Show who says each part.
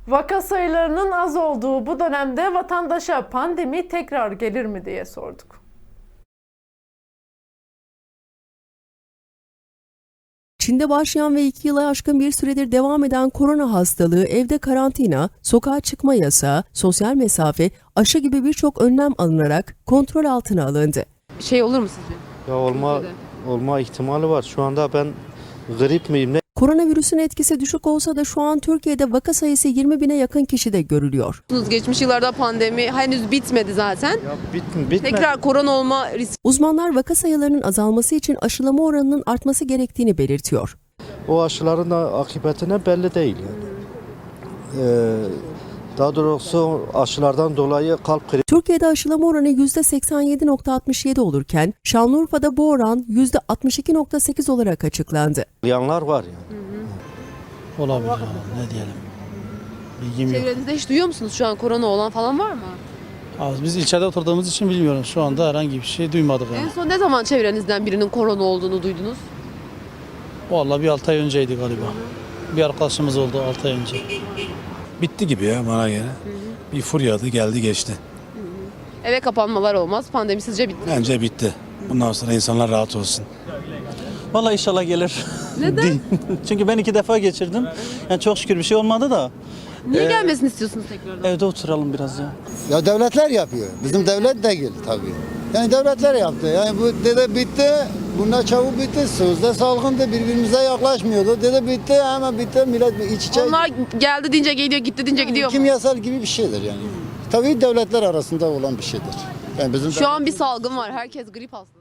Speaker 1: Vaka sayılarının az olduğu bu dönemde vatandaşa pandemi tekrar gelir mi diye sorduk.
Speaker 2: Çin'de başlayan ve 2 yılı aşkın bir süredir devam eden korona hastalığı, evde karantina, sokağa çıkma yasağı, sosyal mesafe, aşı gibi birçok önlem alınarak kontrol altına alındı.
Speaker 3: Olur mu sizce?
Speaker 4: Ya olma ihtimali var. Şu anda ben grip miyim ne?
Speaker 2: Koronavirüsün etkisi düşük olsa da şu an Türkiye'de vaka sayısı 20 bine yakın kişide görülüyor.
Speaker 3: Geçmiş yıllarda pandemi henüz bitmedi zaten.
Speaker 4: Ya bitmedi.
Speaker 3: Tekrar korona olma riski.
Speaker 2: Uzmanlar vaka sayılarının azalması için aşılama oranının artması gerektiğini belirtiyor.
Speaker 4: O aşıların da akıbetine belli değil yani. Daha doğrusu aşılardan dolayı kalp krizi.
Speaker 2: Türkiye'de aşılama oranı %87.67 olurken Şanlıurfa'da bu oran %62.8 olarak açıklandı.
Speaker 4: Yanlar var yani.
Speaker 5: Olabilir ama ne diyelim. Bilgim yok.
Speaker 3: Çevrenizde hiç duyuyor musunuz şu an korona olan falan var mı?
Speaker 5: Az biz ilçede oturduğumuz için bilmiyorum. Şu anda herhangi bir şey duymadık
Speaker 3: En
Speaker 5: yani.
Speaker 3: son ne zaman çevrenizden birinin korona olduğunu duydunuz?
Speaker 5: Vallahi bir 6 ay önceydi galiba. Bir arkadaşımız oldu 6 ay önce.
Speaker 6: Bitti gibi ya bana göre. Bir furyadı geldi geçti.
Speaker 3: Eve kapanmalar olmaz. Pandemi sizce bitti.
Speaker 6: Bence bitti. Bundan sonra insanlar rahat olsun.
Speaker 7: Vallahi inşallah gelir.
Speaker 3: Neden?
Speaker 7: Çünkü ben 2 defa geçirdim. Yani çok şükür bir şey olmadı da.
Speaker 3: Niye gelmesini istiyorsunuz tekrardan?
Speaker 7: Evde oturalım biraz ya.
Speaker 8: Ya devletler yapıyor. Bizim devlet değil tabii. Yani devletler yaptı. Yani bu dede bitti. Bunlar çabuk bitti. Sözde salgındı. Birbirimize yaklaşmıyordu. Dede bitti. Hemen bitti. Millet iç içe.
Speaker 3: Onlar geldi deyince geliyor, gitti deyince gidiyor mu?
Speaker 8: Kimyasal gibi bir şeydir yani. Tabii devletler arasında olan bir şeydir. Yani bizim
Speaker 3: Şu an bir salgın var. Herkes grip hastası.